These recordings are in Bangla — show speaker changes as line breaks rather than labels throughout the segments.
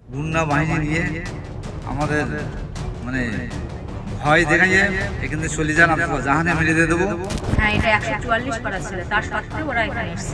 গুন্ডা বাহিনী নিয়ে আমাদের মানে ভয় দেখাইয়ে এখান থেকে চলে যান, আপনার জাহানে মেরে দিয়ে দেবো।
হ্যাঁ, এটা 144 করা ছিল, তার সত্ত্বেও ওরা এখানে এসেছে।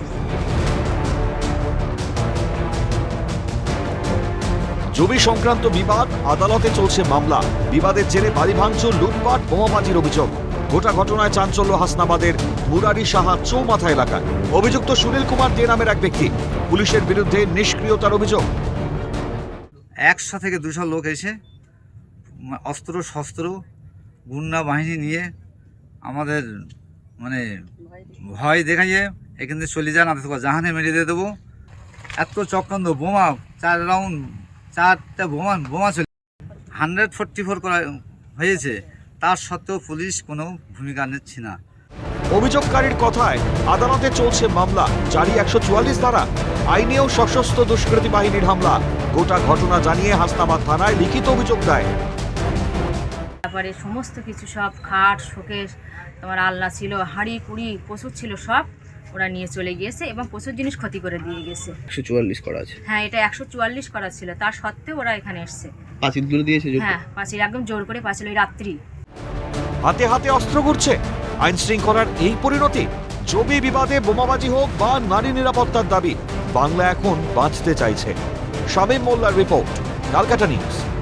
জমি সংক্রান্ত বিবাদ, আদালতে চলছে মামলা। বিবাদের জেরে বাড়ি ভাঙচুর, লুটপাট, বোমাবাজির অভিযোগ। গোটা ঘটনায় চাঞ্চল্য হাসনাবাদের মুরারি সাহা চৌমাথা এলাকায়। অভিযুক্ত সুনীল কুমার দে নামের এক ব্যক্তি। পুলিশের বিরুদ্ধে নিষ্ক্রিয়তার অভিযোগ।
100 থেকে 200 লোক এসে অস্ত্র শস্ত্র গুন্ডা বাহিনী নিয়ে আমাদের মানে ভয় দেখাইয়ে এখান থেকে চলে যান, আপনার জাহানে মেরে দিয়ে দেবো। এত চক্রান্ত, বোমা 4 রাউন্ড 4টা বোমা চলে 144 করা হয়েছে, তার সত্ত্বেও পুলিশ কোনো ভূমিকা নিচ্ছে না।
অভিযোগকারীর কথায় আদালতে চলছে মামলা, জারি 144 ধারা। আইনেও সশস্ত্র দুষ্কৃতী বাহিনীর হামলা। গোটা ঘটনা জানিয়ে হাসনাবাদ থানায় লিখিত অভিযোগ দেয়।
তারপরে সমস্ত কিছু, সব খাট শোকেস, তোমার আলনা ছিল, হাঁড়ি কুড়ি প্রচুর ছিল, সব ওরা নিয়ে চলে গিয়েছে এবং প্রচুর জিনিস ক্ষতি করে দিয়ে গেছে।
144 করা আছে।
হ্যাঁ, এটা 144 করা ছিল, তার সত্ত্বেও ওরা এখানে এসেছে।
পাঁচিল তুলে দিয়েছে।
হ্যাঁ, পাঁচিল একদম জোর করে পাঁচিল, ওই রাত্রি।
হাতে হাতে অস্ত্র ঘুরছে। আইন শৃঙ্খলার এই পরিণতি। জমি বিবাদে বোমাবাজি হোক বা নারী নিরাপত্তার দাবি, বাংলা এখন বাঁচতে চাইছে। শামীম মোল্লার রিপোর্ট, ক্যালকাটা নিউজ।